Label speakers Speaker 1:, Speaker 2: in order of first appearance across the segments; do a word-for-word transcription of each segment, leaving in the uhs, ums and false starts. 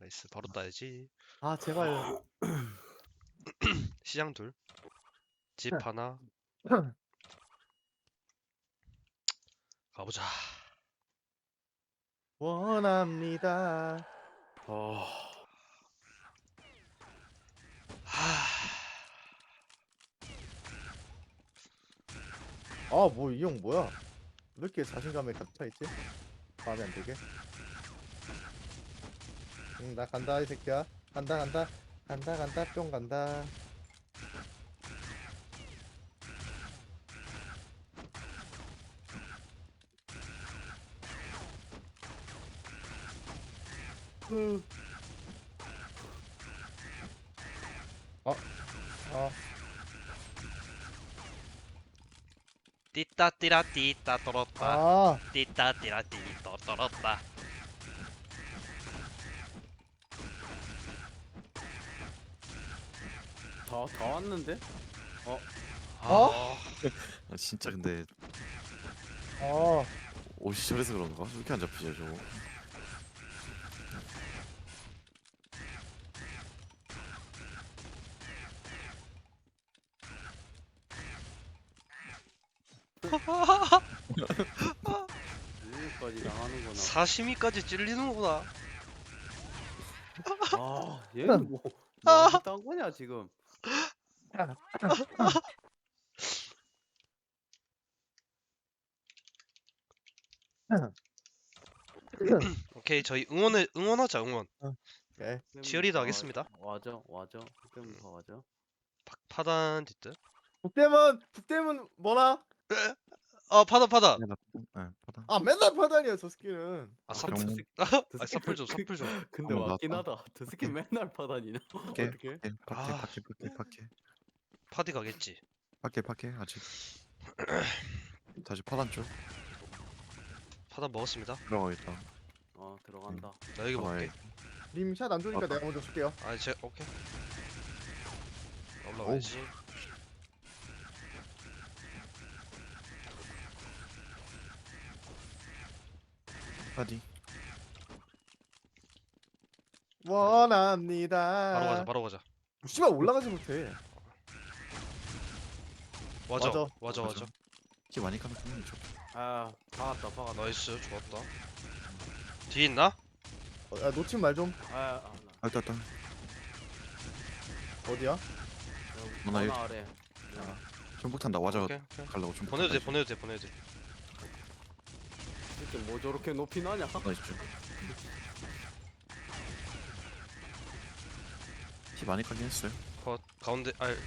Speaker 1: 나이스. 바로 따야지.
Speaker 2: 아 제발.
Speaker 1: 시장 둘. 집 하나. 가보자.
Speaker 2: 원합니다.
Speaker 3: 어.
Speaker 1: 하.
Speaker 2: 아 뭐 이 형 뭐야? 왜 이렇게 자신감에 가득 차 있지? 마음에 안 들게. 응 나 간다 이 새끼야. 간다 간다 간다 간다 뿅 간다.
Speaker 3: 그
Speaker 2: 어.
Speaker 1: 띠따 띠라 띠따 떨었다.
Speaker 2: 아.
Speaker 1: 띠따 띠라 띠따 떨었다.
Speaker 3: 다, 다 왔는데?
Speaker 2: 어?
Speaker 1: 아,
Speaker 4: 아, 진짜 근데
Speaker 2: 어.
Speaker 4: 옷이 저래서 그런가? 왜 이렇게 안 잡히죠 저거?
Speaker 3: 여기까지 나가는구나.
Speaker 1: 사시미까지 찔리는구나.
Speaker 3: 아, 얘는 뭐, 뭐 딴 거냐 지금?
Speaker 1: 오케이, 저희 응원을 응원하자. 응원.
Speaker 2: 오케이.
Speaker 1: 치어리더 하겠습니다.
Speaker 3: 와줘, 와줘. 그때부터 와줘.
Speaker 1: 파, 파단 뒷뜰.
Speaker 2: 북대문 북대문 뭐라?
Speaker 1: 어, 파단 파단.
Speaker 4: 네, 나, 네, 받아.
Speaker 2: 아 맨날 파단이야 저 스킬은.
Speaker 1: 아,
Speaker 3: 아,
Speaker 1: 삽.
Speaker 3: 저
Speaker 4: 경-
Speaker 3: 새끼-
Speaker 1: 아,
Speaker 3: 저
Speaker 1: 사풀 좀,
Speaker 3: 새끼
Speaker 1: 사풀 좀.
Speaker 3: 근데
Speaker 4: 한번
Speaker 3: 맞긴
Speaker 4: 나왔다.
Speaker 3: 하다. 저 새끼 맨날 파다니나?
Speaker 4: 밖에
Speaker 2: 어떻게?
Speaker 4: 밖에 밖에
Speaker 1: 아.
Speaker 4: 밖에 밖에 밖에
Speaker 1: 파디 가겠지.
Speaker 4: 밖에 밖에 아직 다시 파단 쪽
Speaker 1: 파단 먹었습니다.
Speaker 4: 들어가겠다.
Speaker 3: 어, 들어간다.
Speaker 1: 나 여기 먹게.
Speaker 2: 님샷 안 좋으니까
Speaker 4: 맞다.
Speaker 2: 내가 먼저 줄게요.
Speaker 1: 아, 제 오케이. 올라가야지.
Speaker 4: 파디
Speaker 2: 원합니다.
Speaker 1: 바로 가자, 바로 가자.
Speaker 2: 씨발 올라가지 못해.
Speaker 1: 와줘,
Speaker 2: 맞아.
Speaker 1: 와줘, 와줘.
Speaker 4: 키 많이 까면 그냥 좀
Speaker 3: 아, 박았다, 박았다.
Speaker 1: 나이스, 좋았다. 뒤에 있나?
Speaker 2: 어, 야, 놓친 말 좀.
Speaker 3: 아, 아, 나.
Speaker 4: 아, 일단 일단
Speaker 2: 어디야?
Speaker 3: 여기
Speaker 4: 하나
Speaker 3: 하나 아래.
Speaker 4: 전복 탄다. 와자
Speaker 1: 오케이, 오케이.
Speaker 4: 갈라고 전복
Speaker 1: 보내도 돼,
Speaker 4: 탄다,
Speaker 1: 보내도 돼, 보내도 돼.
Speaker 3: 이게 뭐 저렇게 높이 나냐?
Speaker 4: 이제. 나이스 쪽. 키 많이 까긴 했어요.
Speaker 1: 컷 가운데 알.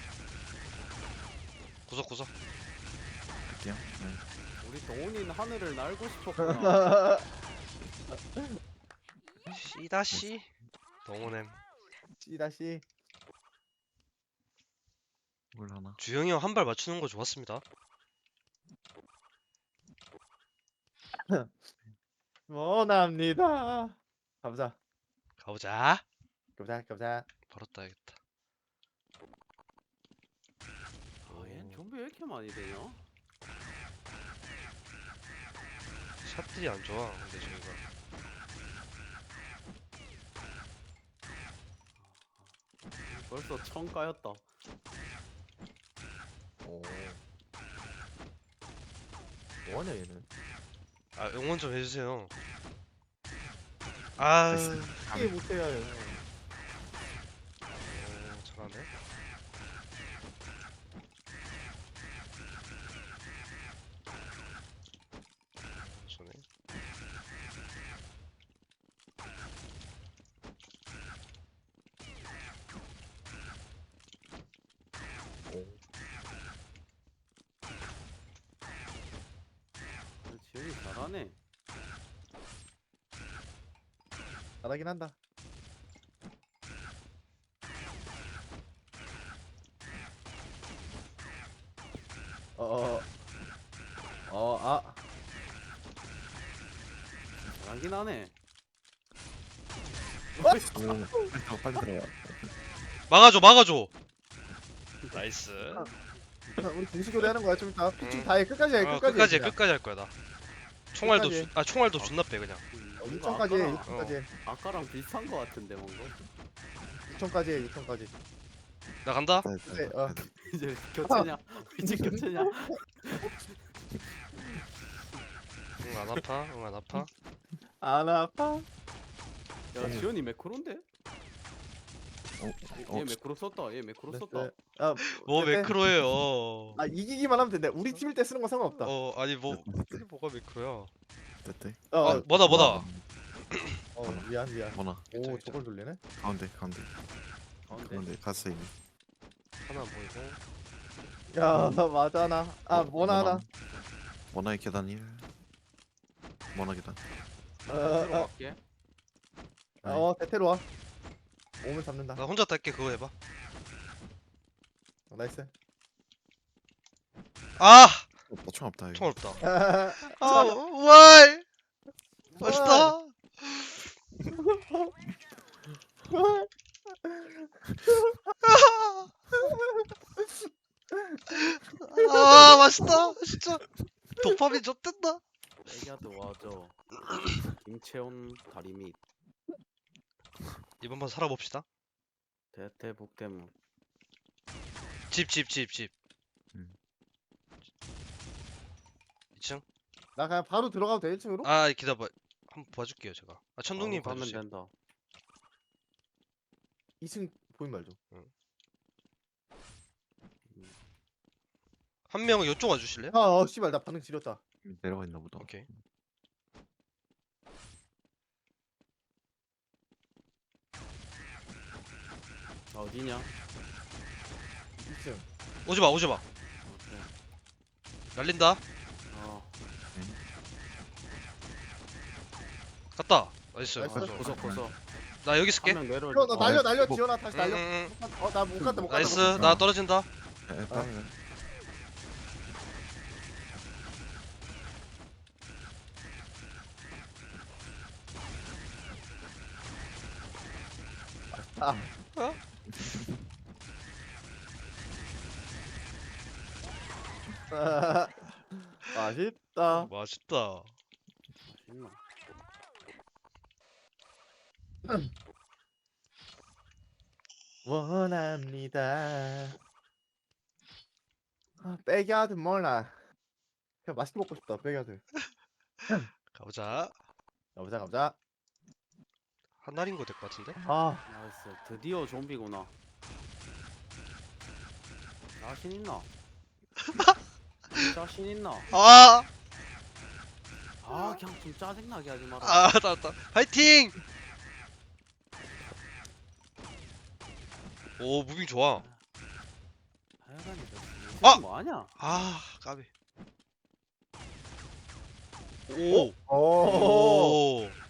Speaker 1: 구석 구석.
Speaker 4: 할게요. 네.
Speaker 3: 우리 동훈이는 하늘을 날고 싶었구나.
Speaker 1: 씨다씨. 동호냄.
Speaker 2: 씨다시.
Speaker 4: 뭘 하나?
Speaker 1: 주영이 형 한 발 맞추는 거 좋았습니다.
Speaker 2: 원합니다. 가보자.
Speaker 1: 가보자.
Speaker 2: 가보자. 가보자.
Speaker 1: 바로 따야겠다.
Speaker 3: 아, 얘는 좀비 왜 이렇게 많이 되냐?
Speaker 1: 샷들이 안 좋아. 근데 저희가.
Speaker 3: 벌써 천 까였다.
Speaker 2: 오. 뭐하냐 얘는?
Speaker 1: 아, 응원 좀 해주세요. 아,
Speaker 4: 됐어.
Speaker 2: 이게 못해야 해.
Speaker 1: 어, 잘하네. 손에.
Speaker 3: 지현이 잘하네.
Speaker 2: 잘하긴 한다. 어어 어, 아.
Speaker 3: 잘하긴 하네.
Speaker 4: 오, 빨리 들어가, 빨리 들어가.
Speaker 1: 막아줘, 막아줘. 나이스.
Speaker 2: 우리 분식교대 하는 거야 좀 이따.
Speaker 1: 응.
Speaker 2: 좀 다해 끝까지 해
Speaker 1: 어,
Speaker 2: 끝까지.
Speaker 1: 끝까지 해,
Speaker 2: 그냥.
Speaker 1: 끝까지 할 거야 나. 총알도
Speaker 2: 끝까지
Speaker 1: 주, 아 총알도 존나 빼 그냥.
Speaker 3: 음.
Speaker 2: 육천까지 해.
Speaker 3: 아까랑,
Speaker 2: 육천까지 해.
Speaker 3: 아까랑 비슷한 거 같은데 뭔가.
Speaker 2: 육천까지 해. 육천까지.
Speaker 1: 나 간다.
Speaker 4: 네,
Speaker 2: 네, 어.
Speaker 3: 이제 교체냐? 이제 교체냐?
Speaker 1: 응 안 아파. 응 안 아파.
Speaker 2: 안 아파?
Speaker 3: 야 지현이 매크로인데?
Speaker 4: 어,
Speaker 3: 얘,
Speaker 4: 어,
Speaker 3: 얘 매크로 썼다. 얘 매크로
Speaker 2: 네,
Speaker 3: 썼다.
Speaker 2: 네. 아,
Speaker 1: 뭐
Speaker 2: 네, 네.
Speaker 1: 매크로예요.
Speaker 2: 아 이기기만 하면 된대. 우리 팀일 때 쓰는 건 상관없다. 어,
Speaker 1: 어 아니 뭐 이게 뭐가 매크로야?
Speaker 4: 됐대.
Speaker 2: 어,
Speaker 1: 아 뭐다 뭐다.
Speaker 2: 어 미안 미안.
Speaker 4: 뭐나
Speaker 2: 오
Speaker 1: 괜찮아,
Speaker 2: 저걸 돌리네.
Speaker 4: 가운데 가운데
Speaker 3: 가운데.
Speaker 4: 가운데 갔어 이미.
Speaker 1: 하나 안 보이고.
Speaker 2: 야 맞아나. 아
Speaker 4: 어,
Speaker 2: 뭐나 하나.
Speaker 4: 뭐나의 계단 일. 뭐나 계단.
Speaker 2: 어,
Speaker 3: 새로
Speaker 2: 어,
Speaker 3: 갈게.
Speaker 2: 어, 어 대테로 와. 오면 잡는다.
Speaker 1: 나 혼자 딸게 그거 해봐.
Speaker 2: 어, 나이스.
Speaker 1: 아
Speaker 4: 없다 총 없다 이거.
Speaker 1: 총 없다.
Speaker 2: 아,
Speaker 1: 아 와이 맛있다. 아 맛있다 진짜. 도파민 좆된다.
Speaker 3: 애기한테 와줘. 김채원 다리 밑
Speaker 1: 이번 판 살아봅시다.
Speaker 3: 대퇴북대문.
Speaker 1: 집 집 집 집.
Speaker 4: 음.
Speaker 1: 이 층?
Speaker 2: 나 그냥 바로 들어가도 돼 일 층으로?
Speaker 1: 아 기다려. 한번 봐줄게요 제가. 아 천둥님
Speaker 3: 바로 가면
Speaker 1: 봐주세요.
Speaker 3: 된다.
Speaker 2: 이 층 보인 말죠.
Speaker 1: 한 명은 이쪽 와주실래요?
Speaker 2: 아, 어 씨발 나 반응 지렸다.
Speaker 4: 내려가 있나 보다.
Speaker 1: 오케이.
Speaker 3: 아, 어디냐?
Speaker 2: 이 층.
Speaker 1: 오지마 오지마.
Speaker 3: 오케이.
Speaker 1: 날린다.
Speaker 3: 어.
Speaker 1: 갔다. 나이스.
Speaker 2: 나이스.
Speaker 1: 가져.
Speaker 3: 고소 고소.
Speaker 1: 나 여기 있을게.
Speaker 3: 한명 내려.
Speaker 2: 어, 나
Speaker 4: 어,
Speaker 2: 날려 날려
Speaker 4: 뭐-
Speaker 2: 지원아 다시 날려.
Speaker 1: 응, 응, 응.
Speaker 2: 어 나 못 갔다 못 갔다.
Speaker 1: 나이스.
Speaker 2: 못 갔다.
Speaker 1: 나 떨어진다.
Speaker 4: 에, 빠르네.
Speaker 2: 아.
Speaker 1: 어?
Speaker 2: 아, 맛있다.
Speaker 1: 맛있다.
Speaker 3: 맛있나?
Speaker 2: 원합니다. 아, 백야드 몰라. 그냥 맛있게 먹고 싶다. 백야드.
Speaker 1: 가보자.
Speaker 2: 가보자 가보자.
Speaker 1: 한 날인 거 될 것 같은데?
Speaker 2: 아,
Speaker 3: 나이스. 드디어 좀비구나. 자신 있나? 자신 있나?
Speaker 1: 아,
Speaker 3: 아 그냥 좀 짜증나게 하지 마라.
Speaker 1: 아, 나왔다. 파이팅! 오, 무빙 좋아.
Speaker 3: 하여간에
Speaker 1: 아!
Speaker 3: 뭐하냐?
Speaker 1: 아, 까비. 오,
Speaker 2: 오.
Speaker 1: 오.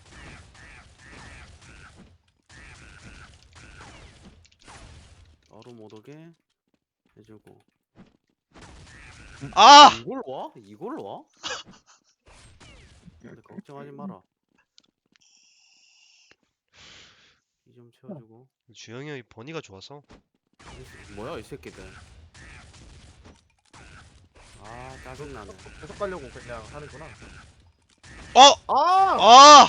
Speaker 3: 바로 못 오게 해주고.
Speaker 1: 아,
Speaker 3: 이걸 와? 이걸 와? 근데 걱정하지 마라. 이 좀 채워주고.
Speaker 1: 주영이 형이 버니가 좋아서.
Speaker 3: 뭐야 이 새끼들. 아 짜증나네.
Speaker 2: 계속 가려고 그냥 하는구나.
Speaker 1: 어,
Speaker 2: 아!
Speaker 1: 아,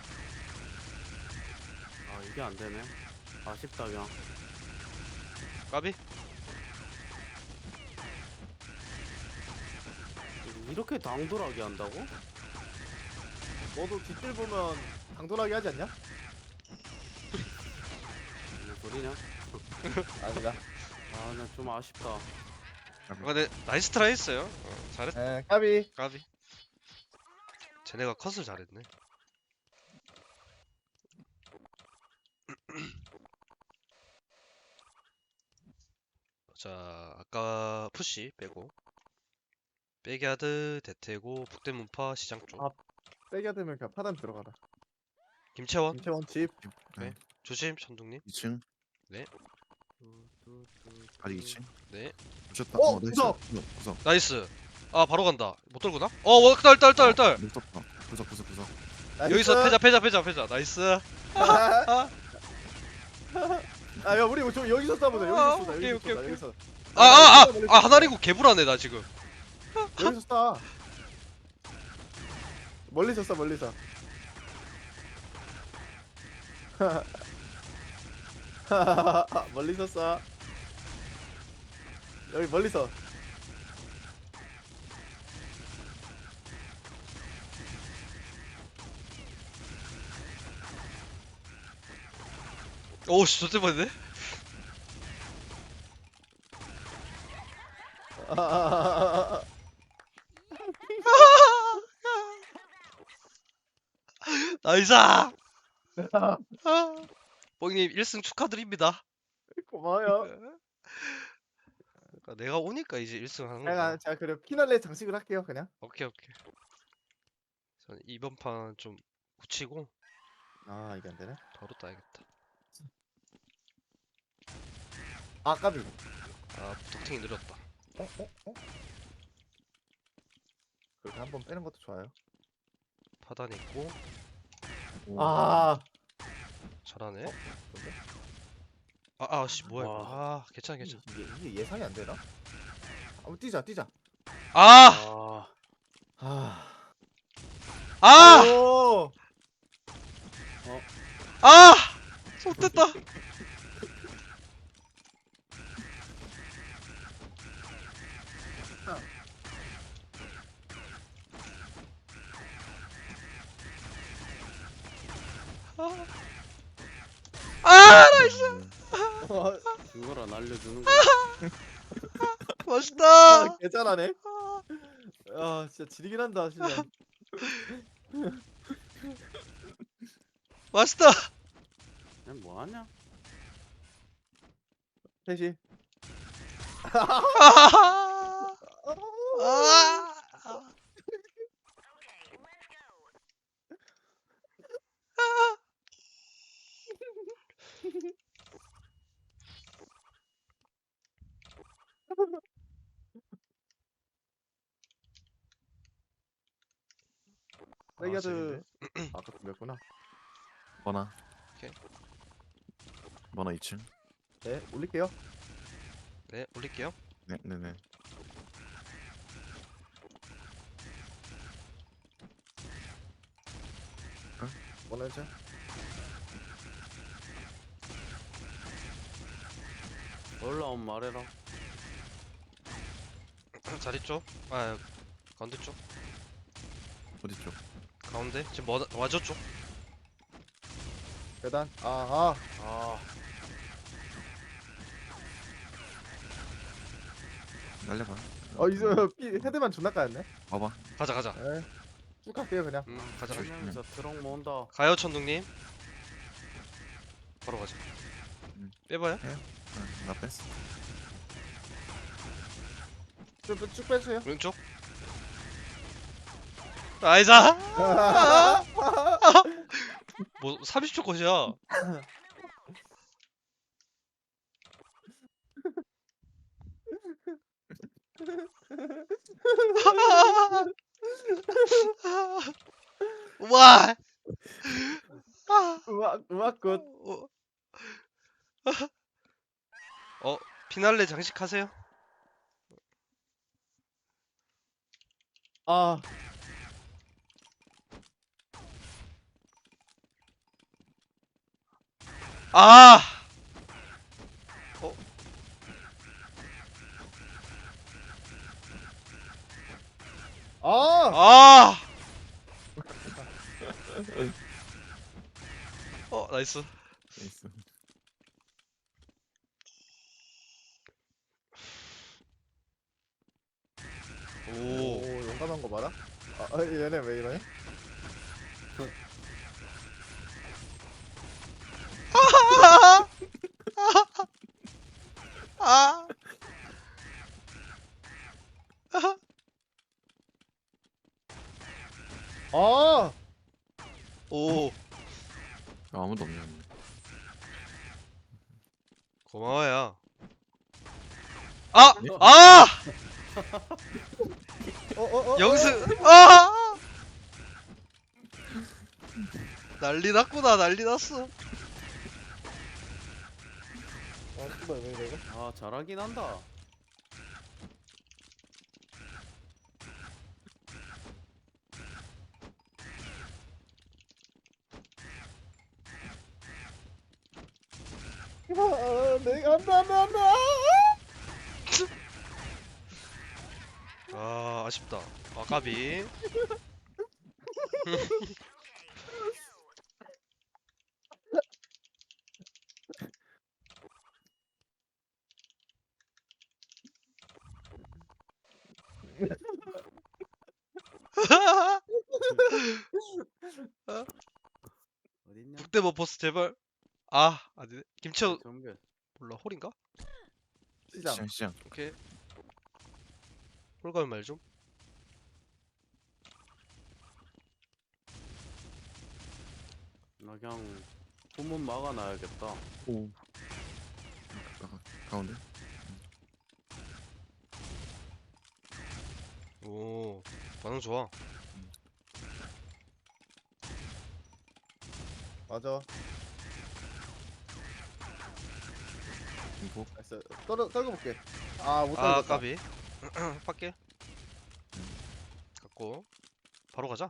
Speaker 3: 아 이게 안 되네. 아쉽다 그냥.
Speaker 1: 까비.
Speaker 3: 이렇게 당돌하게 한다고?
Speaker 2: 너도 뒷줄 보면 당돌하게 하지 않냐?
Speaker 3: 무슨 소리냐?
Speaker 2: 아니다.
Speaker 3: 아 나 좀 아쉽다.
Speaker 1: 아, 근데 나이스 트라이 했어요. 어, 잘했.
Speaker 2: 에, 까비.
Speaker 1: 까비. 쟤네가 컷을 잘했네. 자, 아까 푸시 빼고 백야드, 대퇴고, 북대문파, 시장 쪽.
Speaker 2: 아. 백야드면 그냥 파단 들어가라.
Speaker 1: 김채원,
Speaker 2: 김채원 집.
Speaker 4: 네.
Speaker 1: 조심, 천둥님.
Speaker 4: 이 층. 아직 이 층.
Speaker 1: 네,
Speaker 4: 붙였다.
Speaker 2: 어,
Speaker 4: 나이스.
Speaker 2: 구석!
Speaker 4: 구석. 구석.
Speaker 1: 나이스. 아, 바로 간다. 못 돌구나? 어, 워, 딸, 딸, 딸, 딸.
Speaker 4: 못 떴다. 구석 구석 구석.
Speaker 1: 여기서 패자, 패자, 패자, 패자. 나이스. 아,
Speaker 2: 아, 야, 우리 좀 여기서 싸보자.
Speaker 1: 아,
Speaker 2: 여기서 쏘자.
Speaker 1: 오케이,
Speaker 2: 여기서
Speaker 1: 오케이,
Speaker 2: 쏘자.
Speaker 1: 오케이.
Speaker 2: 여기서.
Speaker 1: 아, 아, 아, 아, 하나리고 개불하네 나 지금.
Speaker 2: 여기서 쏴. 멀리서 쏴, 멀리서. 멀리서 쏴. 여기 멀리서.
Speaker 1: 오씨 저때 봤네. 나이스. 뽕님 일 승 축하드립니다.
Speaker 2: 고마워요.
Speaker 1: 그러니까 내가 오니까 이제 일 승 하는
Speaker 2: 제가
Speaker 1: 거야.
Speaker 2: 제가 그래 피날레 장식을 할게요 그냥.
Speaker 1: 오케이 오케이. 전 이번 판 좀 굳히고
Speaker 2: 아 이게 안 되네.
Speaker 1: 바로 따야겠다.
Speaker 2: 아 까비.
Speaker 1: 아 부탁팅이 느렸다.
Speaker 2: 어? 어? 어? 그렇게 한번 빼는 것도 좋아요.
Speaker 1: 파단 있고
Speaker 2: 아
Speaker 1: 잘하네.
Speaker 2: 근데
Speaker 1: 아 아씨 뭐야 이거.
Speaker 3: 와.
Speaker 1: 아 괜찮아 괜찮아.
Speaker 2: 이게, 이게 예상이 안 되나? 한번 뛰자 뛰자.
Speaker 1: 아!
Speaker 3: 아,
Speaker 2: 아.
Speaker 1: 아!
Speaker 2: 오!
Speaker 1: 아! 손댔다. 아! 아! 나이스.
Speaker 2: 어,
Speaker 3: 그거라 날려주는 거.
Speaker 1: 멋있다.
Speaker 2: 아, 개잘하네. 아 진짜 지리긴 한다 진짜.
Speaker 1: 맛있다.
Speaker 3: 그냥 뭐 하냐?
Speaker 2: 셋이.
Speaker 1: 아! 아!
Speaker 2: 레이아드. 아까 돌렸구나.
Speaker 4: 번화.
Speaker 1: 오케이.
Speaker 4: 번화 이 층.
Speaker 2: 네 올릴게요.
Speaker 1: 네, 올릴게요.
Speaker 4: 네, 네, 네.
Speaker 2: 원하죠?
Speaker 3: 올라온 말해라.
Speaker 1: 자리 쪽. 아, 가운데 쪽.
Speaker 4: 어디 쪽?
Speaker 1: 가운데. 지금 뭐 와줘 쪽.
Speaker 2: 계단. 아아.
Speaker 3: 아,
Speaker 4: 날려봐.
Speaker 2: 어 이제 피 헤드만 존나 까였네.
Speaker 4: 봐봐.
Speaker 1: 가자, 가자.
Speaker 2: 네. 쭉 갈게요 그냥.
Speaker 1: 음, 가자. 가자.
Speaker 3: 설명서 트럭 모은다.
Speaker 1: 가요, 천둥님. 바로 가자.
Speaker 4: 음.
Speaker 1: 빼봐요.
Speaker 4: 응, 나 뺐어.
Speaker 2: 쭉, 쭉 빼주세요.
Speaker 1: 왼쪽. 나이스. 뭐 삼십 초 컷이야. 와.
Speaker 2: 음악 음악 굿.
Speaker 1: 어, 어, 피날레 장식하세요.
Speaker 2: 아.
Speaker 1: 아. 어.
Speaker 2: 아.
Speaker 1: 아. 어, 나이스.
Speaker 4: 있어.
Speaker 1: 오.
Speaker 2: 오 용감한 거 봐라. 아 아, 얘네 왜 이러냐?
Speaker 1: 아.
Speaker 2: 아.
Speaker 1: 오.
Speaker 4: 아, 아무도 없네.
Speaker 1: 고마워요. 아!
Speaker 4: 네?
Speaker 1: 아!
Speaker 2: 어어어.
Speaker 1: 영승! 아! 난리 났구나, 난리 났어.
Speaker 2: 아 씨발 왜 이래 이거?
Speaker 3: 아, 잘하긴 한다.
Speaker 2: 아, 내가 안돼 안돼 안돼.
Speaker 1: 아 아쉽다. 아 까비.
Speaker 3: 어딨냐?
Speaker 1: 북대 버퍼스 제발. 아 아니네. 김치호
Speaker 3: 정글.
Speaker 1: 몰라 홀인가?
Speaker 2: 시장.
Speaker 4: 시장 시장.
Speaker 1: 오케이. 홀 가면 말 좀.
Speaker 3: 나 그냥 후문 막아놔야겠다.
Speaker 4: 오. 가- 가운데.
Speaker 1: 오 반응 좋아.
Speaker 2: 맞아.
Speaker 4: 이거
Speaker 2: 나이스. 떨어 떨궈 볼게. 아못
Speaker 1: 아
Speaker 2: 떨궜다.
Speaker 1: 까비. 밖에. 갖고 바로 가자.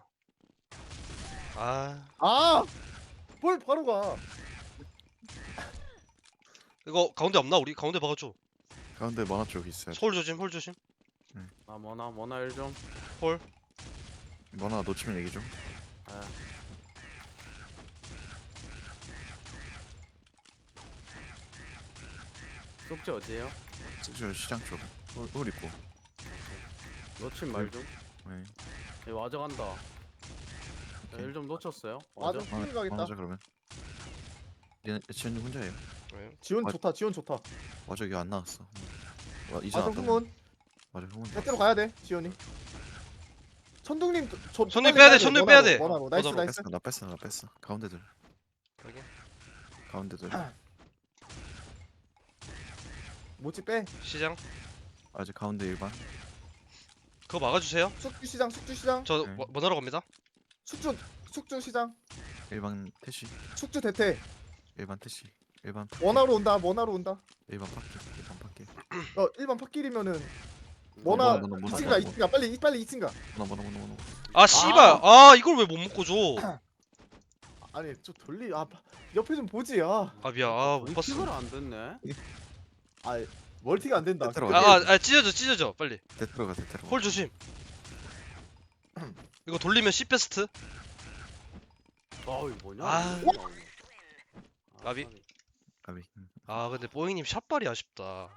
Speaker 1: 아
Speaker 2: 아! 뭘 바로 가.
Speaker 1: 이거 가운데 없나 우리? 가운데 박아줘.
Speaker 4: 가운데 만화 쪽 있어요.
Speaker 1: 홀 조심 홀 조심.
Speaker 3: 나 뭐나 뭐나 일 좀.
Speaker 1: 홀.
Speaker 4: 만화 놓치면 얘기 좀.
Speaker 3: 아, 속지 어디에요?
Speaker 4: 저 시장 쪽. 홀, 홀 있고.
Speaker 3: 놓친 말 좀.
Speaker 4: 네.
Speaker 3: 얘 와저 간다.
Speaker 4: 오케이.
Speaker 3: 일 좀 놓쳤어요.
Speaker 2: 맞아.
Speaker 3: 와저.
Speaker 2: 핑 가겠다.
Speaker 4: 만화자 그러면. 얘는 지현님 혼자예요.
Speaker 1: 네.
Speaker 2: 지원
Speaker 4: 맞-
Speaker 2: 좋다. 지원 좋다.
Speaker 4: 맞아 여기 안 나왔어. 와, 이제
Speaker 2: 맞아
Speaker 4: 나왔다.
Speaker 2: 후문.
Speaker 4: 맞아 후문.
Speaker 2: 대대로 가야 돼. 지원이. 천둥님 저
Speaker 1: 천둥이
Speaker 2: 빨리
Speaker 1: 빼야
Speaker 2: 가야
Speaker 1: 돼, 천둥이 빼야 돼.
Speaker 2: 원하로. 나이스
Speaker 1: 원하로.
Speaker 2: 나이스.
Speaker 4: 뺐어 나 뺐어 나 뺐어. 가운데들.
Speaker 1: 여기.
Speaker 4: 가운데들.
Speaker 2: 모찌 빼.
Speaker 1: 시장.
Speaker 4: 아직 가운데 일반.
Speaker 1: 그거 막아주세요.
Speaker 2: 숙주 시장 숙주 시장.
Speaker 1: 저
Speaker 4: 네.
Speaker 1: 뭐, 뭐 하러 갑니다.
Speaker 2: 숙주 숙주 시장.
Speaker 4: 일반 태시.
Speaker 2: 숙주 대퇴.
Speaker 4: 일반 태시. 일반 파-
Speaker 2: 원하로 온다. 원하로 온다.
Speaker 4: 일반 파키. 일반 파키.
Speaker 2: 어 일반 팟길이면은
Speaker 3: 뭐,
Speaker 2: 원하
Speaker 4: 뭐나, 뭐나,
Speaker 2: 이 층
Speaker 4: 뭐나,
Speaker 2: 가 이 층 가. 빨리 이- 빨리 이 층 가.
Speaker 4: 뭐나 뭐나 뭐나 뭐나.
Speaker 1: 아 씨발. 아 이걸 왜 못 먹고 줘?
Speaker 2: 아니 저 돌리 아 파- 옆에 좀 보지. 아,
Speaker 1: 아 미안. 아못
Speaker 3: 킥을
Speaker 1: 봤어.
Speaker 3: 안 됐네.
Speaker 2: 아 멀티가 안 된다.
Speaker 4: 대퇴로
Speaker 1: 아,
Speaker 4: 가자.
Speaker 1: 아, 아 찢어져 찢어져 빨리.
Speaker 4: 대퇴로 가 대퇴로.
Speaker 1: 홀 조심. 이거 돌리면 C 베스트.
Speaker 3: 아 이거 뭐냐?
Speaker 1: 아.
Speaker 3: 이거. 아,
Speaker 1: 나비?
Speaker 4: 가비. 음.
Speaker 1: 아 근데 뽀잉님 샷발이 아쉽다.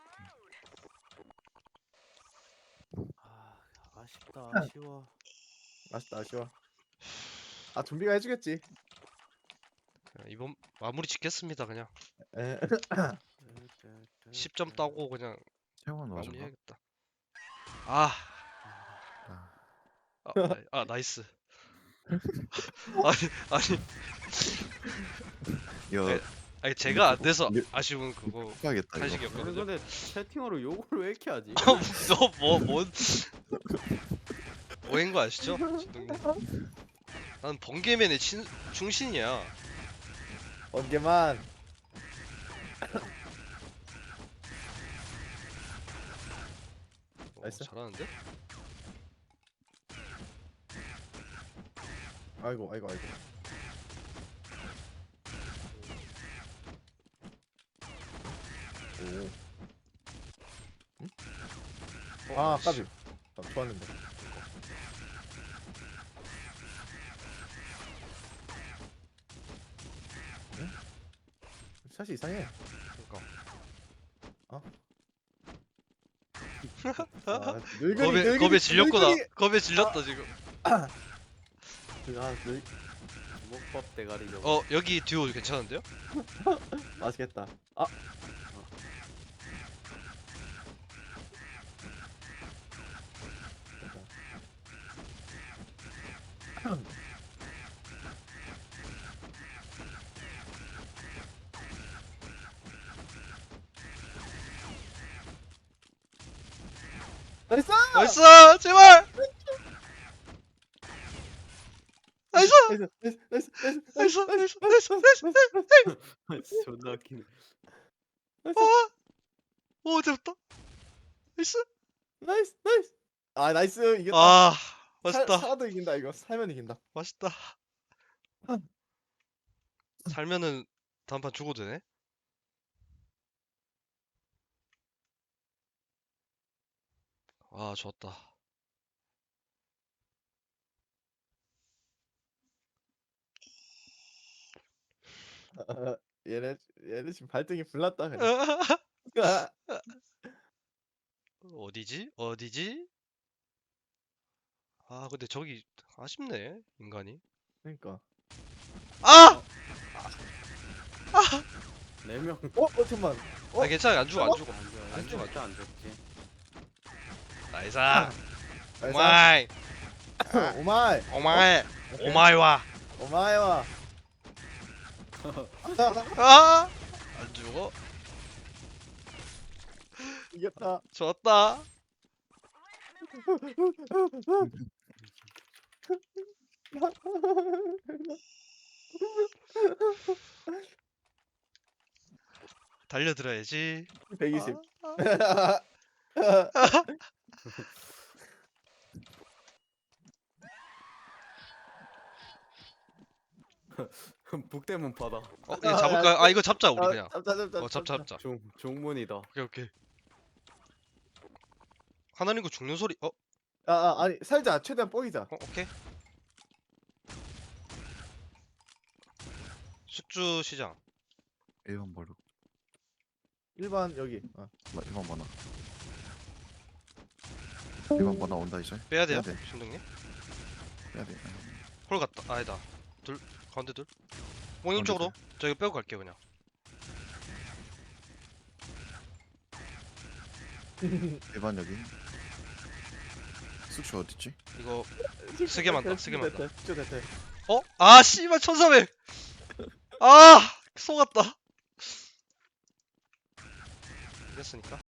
Speaker 3: 아, 아쉽다. 아쉬워.
Speaker 2: 아쉽다 아쉬워. 아 좀비가 해주겠지.
Speaker 1: 그냥 이번 마무리 짓겠습니다 그냥.
Speaker 2: 에.
Speaker 1: 십 점 따고 그냥
Speaker 4: 채원 맞아.
Speaker 1: 마무리해야겠다. 아,
Speaker 4: 아,
Speaker 1: 아, 나이- 아 나이스. 아니 아니
Speaker 4: 이거
Speaker 1: 네. 아니 제가 안 돼서
Speaker 4: 리-
Speaker 1: 아쉬운 그거
Speaker 4: 해야겠다 이거.
Speaker 3: 아니
Speaker 1: 한식이었거든요.
Speaker 3: 근데 채팅으로 욕을 왜 이렇게 하지?
Speaker 1: 너뭐뭔 뭐인 거 아시죠? 진동님. 난 번개맨의 친, 충신이야.
Speaker 2: 번개만.
Speaker 1: 어,
Speaker 2: 나이스.
Speaker 1: 잘하는데?
Speaker 2: 아이고 아이고 아이고. 오. 응?
Speaker 1: 어,
Speaker 2: 아
Speaker 1: 씨.
Speaker 2: 까비. 아, 좋았는데. 응? 샷이 이상해.
Speaker 1: 그러니까.
Speaker 2: 아, 늙은이
Speaker 1: 겁에
Speaker 2: 늙은이
Speaker 1: 겁에 질렸구나.
Speaker 2: 늙은이.
Speaker 1: 겁에 질렸다 지금.
Speaker 2: 아 늙.
Speaker 3: 목밥 대가리 좀.
Speaker 1: 어 여기 듀오 괜찮은데요?
Speaker 2: 맛있겠다. 아. 나이스!
Speaker 1: 나이스 제발. 나이스
Speaker 2: 나이스! 나이스! 나이스!
Speaker 1: 나이스 나이스 나이스 나이스.
Speaker 3: 존나 웃기네.
Speaker 1: 오 됐다. 나이스.
Speaker 2: 나이스! 나이스! 아 나이스! 이겼다.
Speaker 1: 아
Speaker 2: 살,
Speaker 1: 맛있다.
Speaker 2: 살아도 이긴다 이거. 살면 이긴다.
Speaker 1: 맛있다. 살면은 다음 판 죽어도 되네? 아, 좋았다.
Speaker 2: 얘네 얘네 지금 발등이 불났다 그냥.
Speaker 1: 어디지? 어디지? 아, 근데 저기 아쉽네, 인간이.
Speaker 2: 그러니까.
Speaker 1: 아!
Speaker 3: 네 명.
Speaker 2: 어, 어 잠만. 어?
Speaker 1: 아, 괜찮아. 안 죽어, 안 죽어.
Speaker 3: 안 죽어.
Speaker 1: 안 죽어.
Speaker 3: 진짜 안 죽지.
Speaker 1: 나이스.
Speaker 2: 나이스.
Speaker 1: 오마이.
Speaker 2: 오마이.
Speaker 1: 오마이.
Speaker 2: 오케이.
Speaker 1: 오마이와.
Speaker 2: 오마이와.
Speaker 1: 아! 안 죽어.
Speaker 2: 이겼다.
Speaker 1: 좋았다. 달려들어야지.
Speaker 2: 백이십.
Speaker 1: 아.
Speaker 3: 북대문 바다.
Speaker 1: 어, 이거 잡을까? 아, 이거 잡자, 우리
Speaker 2: 아,
Speaker 1: 그냥.
Speaker 2: 잡자 잡자.
Speaker 1: 어, 잡자, 잡자.
Speaker 3: 종 종문이다.
Speaker 1: 오케이, 오케이. 하나님 거 죽는 소리. 어,
Speaker 2: 아, 아 아니 살자. 최대한 뽀이자.
Speaker 1: 어, 오케이. 숙주 시장.
Speaker 4: 일 번 버려.
Speaker 2: 일반 여기. 어.
Speaker 4: 나 일 번 번호. 일 번 번호 온다 이제.
Speaker 1: 빼야 돼요,
Speaker 4: 빼야 돼.
Speaker 1: 신동님.
Speaker 4: 해야 돼.
Speaker 1: 홀 갔다. 아니다. 둘 가운데 둘. 몽님 쪽으로. 저 이거 빼고 갈게요 그냥.
Speaker 4: 일 번 여기. 숙소 어딨지?
Speaker 1: 이거 쓰게 만다. 쓰게 만다.
Speaker 2: 숙주 대퇴.
Speaker 1: 어? 아 씨발 천사백. 아 속았다. 이겼으니까.